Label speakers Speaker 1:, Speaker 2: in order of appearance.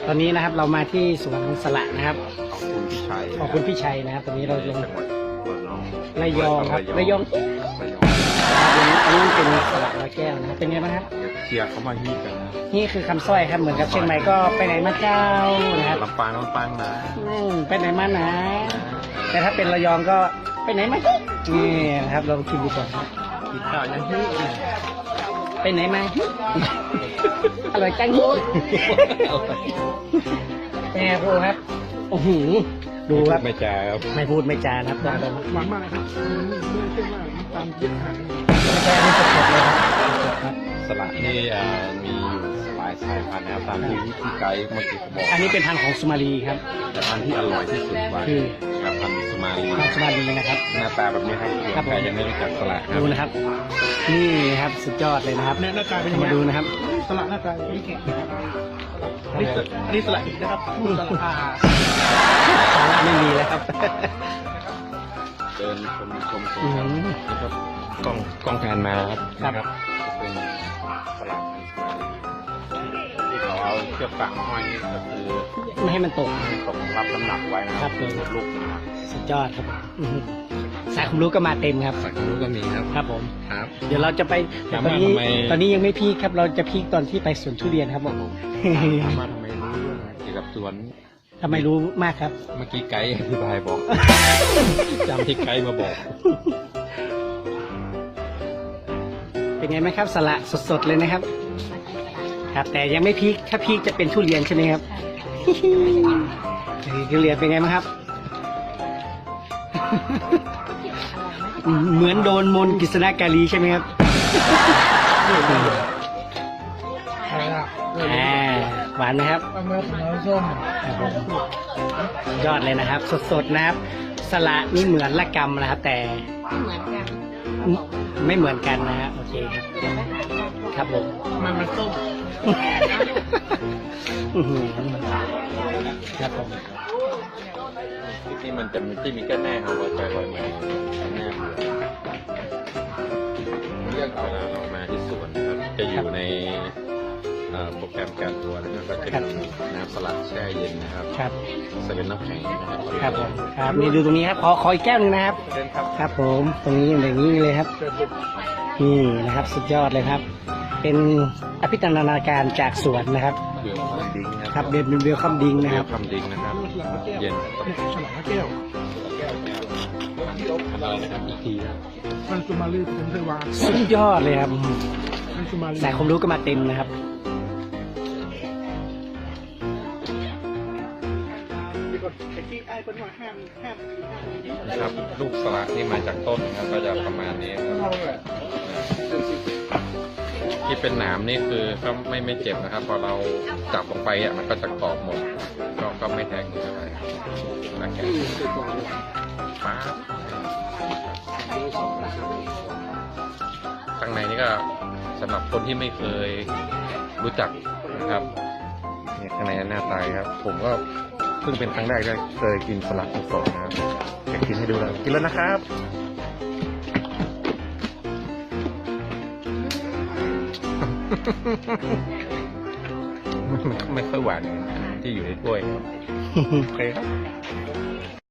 Speaker 1: ตอนนี้นะครับเรามาที่สวนสละนะครับ
Speaker 2: ขอบคุณพี่ชัย
Speaker 1: ขอบคุณพี่ชัยนะครับตอนนี้เราลง
Speaker 2: จังหวัด
Speaker 1: ระยองครับระยอง
Speaker 2: ระยอง
Speaker 1: อันนี้เป็นสละร้อยแก้วนะครับเป็นไงบ้างครับ
Speaker 2: เชียร์เขามาฮีกันนะ
Speaker 1: นี่คือคำสร้อยครับเหมือนกับเชียงใหม่ก็ไปไหนมาเจ้านะครับ
Speaker 2: ลำปางนะ
Speaker 1: ไปไหนมานะแต่ถ้าเป็นระยองก็ไปไหนมานี่นะครับลองชิมดูก่อนครับ
Speaker 2: กินข้าวยังฮี
Speaker 1: ไปไหนมาอร่อยจังเป็นไงครูครับโอ้โหดูครับ
Speaker 2: ไม่จ้าครับ
Speaker 1: ไม่พูดไม่จานะครับตอนนี้
Speaker 3: หวานมากเลยครับไม่ใช่ว่าน้ำตาลเยอะขนาดนี้
Speaker 1: ไม่ใช่อันนี้สดๆเลยครับสดๆครับ
Speaker 2: สละนี่มีอยู่หลายสายพันธุ์นะครับตามที่พี่ไกด์เมื่อกี้เขาบอก
Speaker 1: อันนี้เป็นพันธุ์ของสุมาลีครับ
Speaker 2: แต่พันธุ์ที่อร่อยที่สุดว่า
Speaker 1: คือ
Speaker 2: พันธุ์สุมาลี
Speaker 1: พันธุ์สุมาลีนะครับ
Speaker 2: หน้าตาแบบนี้ครับ
Speaker 1: ครับผม
Speaker 2: ใครยังไม่รู้จักสละครั
Speaker 1: ดู
Speaker 2: บ
Speaker 1: นะครับ นี่ครับสุดยอดเลยนะครับ
Speaker 3: เนี่ยหน้าตาเป็นยังไง
Speaker 1: มาดูนะครับ
Speaker 3: สลัดหน้าตาอย่างนี้นะครับอันนี้สลัดอีกนะครับพูดสลัด
Speaker 1: สาระไม่มีแล้วครับ
Speaker 2: เดินชม
Speaker 1: อืม
Speaker 2: นะครับกล้องแทนมาครับ
Speaker 1: ครับ
Speaker 2: นะเป็นสลัดที่เขาเอาเชือกฟางมาห้อยนี่ก็คือ
Speaker 1: ไม่ให้มันตก
Speaker 2: ตกรับน้ำหนักไว้นะครับ
Speaker 1: ผม
Speaker 2: ลูกนะครับ
Speaker 1: สุดยอดครับอื้อหือสายความรู้ก็มาเต็มครับ
Speaker 2: สักรู้ก็มีครับ
Speaker 1: ครับผม
Speaker 2: ครับ
Speaker 1: เดี๋ยวเราจะไปแต่
Speaker 2: ถาม
Speaker 1: ตอน
Speaker 2: ว่า
Speaker 1: นี้
Speaker 2: ทำไม
Speaker 1: ตอนนี้ยังไม่พีคครับ เราจะพีคตอนที่ไปสวนทุเรียนครับผม
Speaker 2: ถามว่าทำไมรู้เรื่องเกี่ยวกับสวน
Speaker 1: ทำไมรู้มากครับ
Speaker 2: เมื่อกี้ไกด์อธิบายบอก จำที่ไกด์มาบอก
Speaker 1: เป็นไงไหมครับสละสดๆเลยนะครับ ครับ แต่ยังไม่พีคถ้าพีคจะเป็นทุเรียนใช่ไหมครับ ทุเรียนเป็นไงบ้างครับ เหมือนโดนมนต์กฤษณกาลีใช่ไหมครับ
Speaker 3: อะไรอ่ะ
Speaker 1: หวานไหมครับ
Speaker 3: ปลาเมื่อน้ำส้ม
Speaker 1: ครับผมยอดเลยนะครับ สดๆนะครับ สละนี่เหมือนละกำนะครับ แต่ไม่เหมือนกันนะฮะโอเคครับครับผม
Speaker 3: มันส้ม
Speaker 1: อื้อหือครับผม
Speaker 2: ที่มันจะมีที่มีแค่แน่เอาไว้ไปลอยมาแน่เรื่องเวลาเรามาที่สวนนะครับจะอยู่ในโปรแกรมการทัวร์นะครับก็จะมีน้ำสลัดแช่เย็นนะครับ
Speaker 1: ครับ
Speaker 2: เซเว่นน้ำแข็งนะครับ
Speaker 1: ครับผมครับนี่ดูตรงนี้ครับขออีกแก้วหนึ่งนะครับ
Speaker 2: เช่นครับ
Speaker 1: ครับผมตรงนี้อย่างนี้เลยครับนี่นะครับ สุดยอดเลยครับ เป็นอภิธรรนาการจากสวนนะครับ
Speaker 2: เบลคัมดิ้งนะ
Speaker 1: ครับเบลคัมดิง
Speaker 2: เบ
Speaker 1: นะค
Speaker 2: ล
Speaker 1: รับ
Speaker 2: คัมดิ้งนะครับ เย็น
Speaker 3: ฉลามแก้ว
Speaker 2: อะไรนะครับอีกทีนะ
Speaker 3: มันสุมาลีผมเคยวาง
Speaker 1: สุดยอดเลยครับ
Speaker 3: มันสุมาลี
Speaker 1: สายความรู้ก็มาเต็มนะครับ
Speaker 2: นะครับลูกสลัดที่มาจากต้นนะครับก็จะประมาณนี้ครับที่เป็นหนามนี่คือก็ไม่เจ็บนะครับ พอเราจับลงไปอ่ะมันก็จะกรอบหมดก็ไม่แทงเท่าไหร่นะแกฟ้าข้างในนี่ก็สำหรับคนที่ไม่เคยรู้จักนะครับเนี่ยข้างในหน้าตาครับ ผมก็เพิ่งเป็นครั้งแรกที่เคยกินสลัดสดๆนะครับอยากกินให้ดูแล้วกินแล้วนะครับ ไม่ค่อยหวานที่อยู่ในถ้วยครับโอเคครับ